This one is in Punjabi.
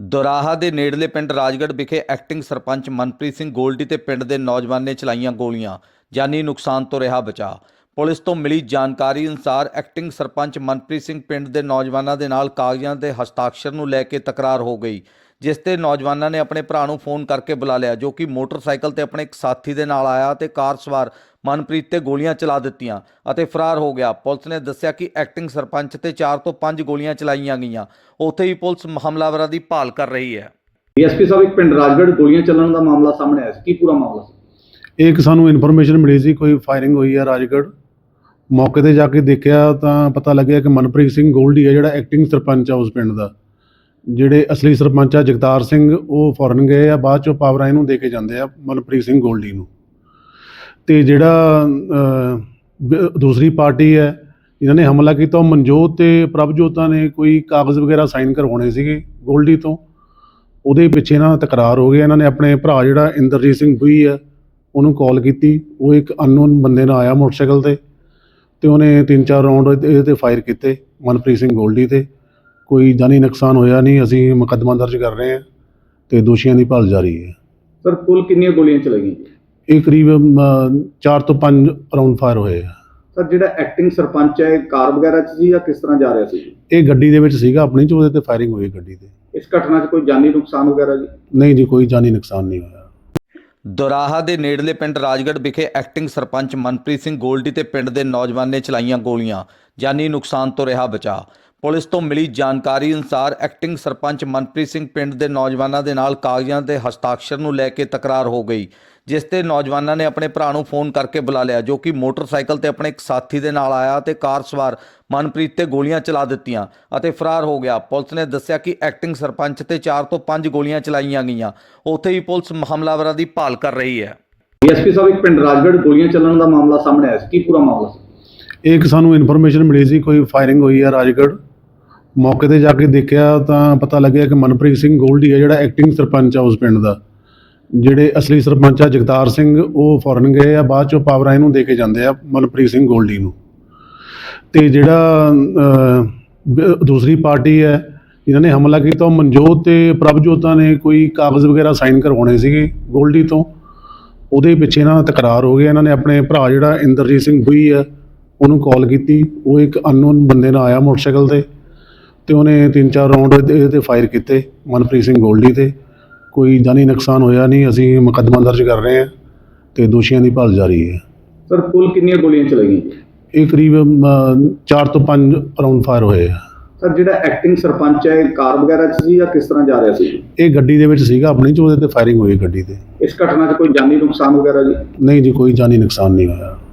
ਦੋਰਾਹਾ ਦੇ ਨੇੜਲੇ ਪਿੰਡ ਰਾਜਗੜ੍ਹ ਵਿਖੇ ਐਕਟਿੰਗ ਸਰਪੰਚ ਮਨਪ੍ਰੀਤ ਸਿੰਘ ਗੋਲਡੀ ਤੇ ਪਿੰਡ ਦੇ ਨੌਜਵਾਨ ਨੇ ਚਲਾਈਆਂ ਗੋਲੀਆਂ। ਜਾਨੀ ਨੁਕਸਾਨ ਤੋਂ ਰਿਹਾ ਬਚਾ। ਪੁਲਿਸ ਤੋਂ ਮਿਲੀ ਜਾਣਕਾਰੀ ਅਨੁਸਾਰ ਐਕਟਿੰਗ ਸਰਪੰਚ ਮਨਪ੍ਰੀਤ ਸਿੰਘ ਪਿੰਡ ਦੇ ਨੌਜਵਾਨਾਂ ਦੇ ਨਾਲ ਕਾਗਜ਼ਾਂ ਦੇ ਹਸਤਾਖਰ ਨੂੰ ਲੈ ਕੇ ਤਕਰਾਰ ਹੋ ਗਈ, ਜਿਸ ਤੇ ਨੌਜਵਾਨਾਂ ਨੇ ਆਪਣੇ ਭਰਾ ਨੂੰ ਫੋਨ ਕਰਕੇ ਬੁਲਾ ਲਿਆ, ਜੋ ਕਿ ਮੋਟਰਸਾਈਕਲ ਤੇ ਆਪਣੇ ਇੱਕ ਸਾਥੀ ਦੇ ਨਾਲ ਆਇਆ ਤੇ ਕਾਰ ਸਵਾਰ ਮਨਪ੍ਰੀਤ ਤੇ ਗੋਲੀਆਂ ਚਲਾ ਦਿੱਤੀਆਂ ਅਤੇ ਫਰਾਰ ਹੋ ਗਿਆ। ਪੁਲਿਸ ਨੇ ਦੱਸਿਆ ਕਿ ਐਕਟਿੰਗ ਸਰਪੰਚ ਤੇ 4 ਤੋਂ 5 ਗੋਲੀਆਂ ਚਲਾਈਆਂ ਗਈਆਂ। ਉੱਥੇ ਹੀ ਪੁਲਿਸ ਹਮਲਾਵਰਾਂ ਦੀ ਭਾਲ ਕਰ ਰਹੀ ਹੈ। ਡੀਐਸਪੀ ਸਾਹਿਬ, ਇੱਕ ਪਿੰਡ ਰਾਜਗੜ੍ਹ ਗੋਲੀਆਂ ਚੱਲਣ ਦਾ ਮਾਮਲਾ ਸਾਹਮਣੇ ਆਇਆ ਸੀ, ਕੀ ਪੂਰਾ ਮਾਮਲਾ ਸੀ? ਇੱਕ ਸਾਨੂੰ ਇਨਫੋਰਮੇਸ਼ਨ ਮਿਲੀ ਸੀ ਕੋਈ ਫਾਇਰਿੰਗ ਹੋਈ ਹੈ ਰਾਜਗੜ੍ਹ। ਮੌਕੇ ਤੇ ਜਾ ਕੇ ਦੇਖਿਆ ਤਾਂ ਪਤਾ ਲੱਗਿਆ ਕਿ ਮਨਪ੍ਰੀਤ ਸਿੰਘ ਗੋਲਡੀ ਹੈ ਜਿਹੜਾ ਐਕਟਿੰਗ ਸਰਪੰਚ ਆ ਉਸ ਪਿੰਡ ਦਾ। ਜਿਹੜੇ ਅਸਲੀ ਸਰਪੰਚ ਆ ਜਗਤਾਰ ਸਿੰਘ, ਉਹ ਫੋਰਨ ਗਏ ਆ, ਬਾਅਦ ਚੋਂ ਪਾਵਰਾਂ ਇਹਨੂੰ ਦੇ ਕੇ ਜਾਂਦੇ ਆ ਮਨਪ੍ਰੀਤ ਸਿੰਘ ਗੋਲਡੀ ਨੂੰ। ਤੇ ਜਿਹੜਾ ਦੂਸਰੀ ਪਾਰਟੀ ਹੈ ਇਹਨਾਂ ਨੇ ਹਮਲਾ ਕੀਤਾ, ਉਹ ਮਨਜੋਤ ਤੇ ਪ੍ਰਭਜੋਤਾਂ ਨੇ ਕੋਈ ਕਾਗਜ਼ ਵਗੈਰਾ ਸਾਈਨ ਕਰਵਾਉਣੇ ਸੀਗੇ ਗੋਲਡੀ ਤੋਂ। ਉਹਦੇ ਪਿੱਛੇ ਇਹਨਾਂ ਦਾ ਤਕਰਾਰ ਹੋ ਗਿਆ। ਇਹਨਾਂ ਨੇ ਆਪਣੇ ਭਰਾ ਜਿਹੜਾ ਇੰਦਰਜੀਤ ਸਿੰਘ ਬੁਈ ਹੈ ਉਹਨੂੰ ਕਾਲ ਕੀਤੀ। ਉਹ ਇੱਕ ਅਨਨੋਨ ਬੰਦੇ ਨਾਲ ਆਇਆ ਮੋਟਰਸਾਈਕਲ ਤੇ ਉਹਨੇ 3-4 ਰਾਊਂਡ ਇਹਦੇ 'ਤੇ ਫਾਇਰ ਕੀਤੇ ਮਨਪ੍ਰੀਤ ਸਿੰਘ ਗੋਲਡੀ ਤੇ। ਕੋਈ ਜਾਨੀ ਨੁਕਸਾਨ ਹੋਇਆ ਨਹੀਂ। ਅਸੀਂ ਮੁਕੱਦਮਾ ਦਰਜ ਕਰ ਰਹੇ ਹਾਂ ਤੇ ਦੋਸ਼ੀਆਂ ਦੀ ਭਾਲ ਜਾਰੀ ਹੈ। ਸਰ, ਕੁੱਲ ਕਿੰਨੀਆਂ ਗੋਲੀਆਂ ਚਲਾਈਆਂ? ਇਹ ਕਰੀਬ 4 ਤੋਂ 5 ਰਾਊਂਡ ਫਾਇਰ ਹੋਏ ਆ। ਸਰ, ਜਿਹੜਾ ਐਕਟਿੰਗ ਸਰਪੰਚ ਹੈ ਕਾਰ ਵਗੈਰਾ 'ਚ ਸੀ ਜਾਂ ਕਿਸ ਤਰ੍ਹਾਂ ਜਾ ਰਿਹਾ ਸੀ? ਇਹ ਗੱਡੀ ਦੇ ਵਿੱਚ ਸੀਗਾ ਆਪਣੀ 'ਚ, ਉਹਦੇ 'ਤੇ ਫਾਇਰਿੰਗ ਹੋਈ ਗੱਡੀ 'ਤੇ। ਇਸ ਘਟਨਾ 'ਚ ਕੋਈ ਜਾਨੀ ਨੁਕਸਾਨ ਵਗੈਰਾ ਜੀ? ਨਹੀਂ ਜੀ, ਕੋਈ ਜਾਨੀ ਨੁਕਸਾਨ ਨਹੀਂ ਹੋਇਆ। ਦੋਰਾਹਾ ਦੇ ਨੇੜਲੇ ਪਿੰਡ ਰਾਜਗੜ੍ਹ ਵਿਖੇ ਐਕਟਿੰਗ ਸਰਪੰਚ ਮਨਪ੍ਰੀਤ ਸਿੰਘ ਗੋਲਡੀ ਤੇ ਪਿੰਡ ਦੇ ਨੌਜਵਾਨ ਨੇ ਚਲਾਈਆਂ ਗੋਲੀਆਂ। ਜਾਨੀ ਨੁਕਸਾਨ ਤੋਂ ਰਿਹਾ ਬਚਾ। ਪੁਲਿਸ ਤੋਂ ਮਿਲੀ ਜਾਣਕਾਰੀ ਅਨੁਸਾਰ ਐਕਟਿੰਗ ਸਰਪੰਚ ਮਨਪ੍ਰੀਤ ਸਿੰਘ ਪਿੰਡ ਦੇ ਨੌਜਵਾਨਾਂ ਦੇ ਨਾਲ ਕਾਗਜ਼ਾਂ ਦੇ ਹਸਤਾਖਰ ਨੂੰ ਲੈ ਕੇ ਤਕਰਾਰ ਹੋ ਗਈ, ਜਿਸ ਤੇ ਨੌਜਵਾਨਾਂ ਨੇ ਆਪਣੇ ਭਰਾ ਨੂੰ ਫੋਨ ਕਰਕੇ ਬੁਲਾ ਲਿਆ, ਜੋ ਕਿ ਮੋਟਰਸਾਈਕਲ ਤੇ ਆਪਣੇ ਇੱਕ ਸਾਥੀ ਦੇ ਨਾਲ ਆਇਆ ਤੇ ਕਾਰ ਸਵਾਰ ਮਨਪ੍ਰੀਤ ਤੇ ਗੋਲੀਆਂ ਚਲਾ ਦਿੱਤੀਆਂ ਅਤੇ ਫਰਾਰ ਹੋ ਗਿਆ। ਪੁਲਿਸ ਨੇ ਦੱਸਿਆ ਕਿ ਐਕਟਿੰਗ ਸਰਪੰਚ ਤੇ 4 ਤੋਂ 5 ਗੋਲੀਆਂ ਚਲਾਈਆਂ ਗਈਆਂ। ਉੱਥੇ ਹੀ ਪੁਲਿਸ ਹਮਲਾਵਰਾਂ ਦੀ ਭਾਲ ਕਰ ਰਹੀ ਹੈ। ਡੀਐਸਪੀ ਸਾਹਿਬ, ਇੱਕ ਪਿੰਡ ਰਾਜਗੜ੍ਹ ਗੋਲੀਆਂ ਚੱਲਣ ਦਾ ਮਾਮਲਾ ਸਾਹਮਣੇ ਆਇਆ ਸੀ, ਕੀ ਪੂਰਾ ਮਾਮਲਾ ਸੀ? ਇੱਕ ਸਾਨੂੰ ਇਨਫੋਰਮੇਸ਼ਨ ਮਿਲੀ ਸੀ ਕੋਈ ਫਾਇਰਿੰਗ ਹੋਈ ਹੈ ਰਾਜਗੜ੍ਹ। ਮੌਕੇ ਤੇ ਜਾ ਕੇ ਦੇਖਿਆ ਤਾਂ ਪਤਾ ਲੱਗਿਆ ਕਿ ਮਨਪ੍ਰੀਤ ਸਿੰਘ ਗੋਲਡੀ ਹੈ ਜਿਹੜਾ ਐਕਟਿੰਗ ਸਰਪੰਚ ਆ ਉਸ ਪਿੰਡ ਦਾ। ਜਿਹੜੇ ਅਸਲੀ ਸਰਪੰਚ ਆ ਜਗਤਾਰ ਸਿੰਘ, ਉਹ ਫੋਰਨ ਗਏ ਆ, ਬਾਅਦ ਚੋਂ ਪਾਵਰਾਂ ਇਹਨੂੰ ਦੇ ਕੇ ਜਾਂਦੇ ਆ ਮਨਪ੍ਰੀਤ ਸਿੰਘ ਗੋਲਡੀ ਨੂੰ। ਤੇ ਜਿਹੜਾ ਦੂਸਰੀ ਪਾਰਟੀ ਹੈ ਇਹਨਾਂ ਨੇ ਹਮਲਾ ਕੀਤਾ, ਉਹ ਮਨਜੋਤ ਤੇ ਪ੍ਰਭਜੋਤਾਂ ਨੇ ਕੋਈ ਕਾਗਜ਼ ਵਗੈਰਾ ਸਾਈਨ ਕਰਵਾਉਣੇ ਸੀਗੇ ਗੋਲਡੀ ਤੋਂ। ਉਹਦੇ ਪਿੱਛੇ ਇਹਨਾਂ ਦਾ ਤਕਰਾਰ ਹੋ ਗਿਆ। ਇਹਨਾਂ ਨੇ ਆਪਣੇ ਭਰਾ ਜਿਹੜਾ ਇੰਦਰਜੀਤ ਸਿੰਘ ਬੁਈ ਹੈ ਉਹਨੂੰ ਕਾਲ ਕੀਤੀ। ਉਹ ਇੱਕ ਅਨਨੋਨ ਬੰਦੇ ਨਾਲ ਆਇਆ ਮੋਟਰਸਾਈਕਲ ਤੇ ਉਹਨੇ 3-4 ਰਾਊਂਡ ਇਹਦੇ 'ਤੇ ਫਾਇਰ ਕੀਤੇ ਮਨਪ੍ਰੀਤ ਸਿੰਘ ਗੋਲਡੀ ਤੇ। ਕੋਈ ਜਾਨੀ ਨੁਕਸਾਨ ਹੋਇਆ ਨਹੀਂ। ਅਸੀਂ ਮੁਕੱਦਮਾ ਦਰਜ ਕਰ ਰਹੇ ਹਾਂ ਤੇ ਦੋਸ਼ੀਆਂ ਦੀ ਭਾਲ ਜਾਰੀ ਹੈ। ਸਰ, ਕੁੱਲ ਕਿੰਨੀਆਂ ਗੋਲੀਆਂ ਚਲਾਈਆਂ? ਇਹ ਕਰੀਬ 4 ਤੋਂ 5 ਰਾਊਂਡ ਫਾਇਰ ਹੋਏ ਆ। ਸਰ, ਜਿਹੜਾ ਐਕਟਿੰਗ ਸਰਪੰਚ ਹੈ ਕਾਰ ਵਗੈਰਾ 'ਚ ਸੀ ਜਾਂ ਕਿਸ ਤਰ੍ਹਾਂ ਜਾ ਰਿਹਾ ਸੀ? ਇਹ ਗੱਡੀ ਦੇ ਵਿੱਚ ਸੀਗਾ ਆਪਣੀ 'ਚ, ਉਹਦੇ 'ਤੇ ਫਾਇਰਿੰਗ ਹੋਈ ਗੱਡੀ 'ਤੇ। ਇਸ ਘਟਨਾ 'ਚ ਕੋਈ ਜਾਨੀ ਨੁਕਸਾਨ ਵਗੈਰਾ ਜੀ? ਨਹੀਂ ਜੀ, ਕੋਈ ਜਾਨੀ ਨੁਕਸਾਨ ਨਹੀਂ ਹੋਇਆ।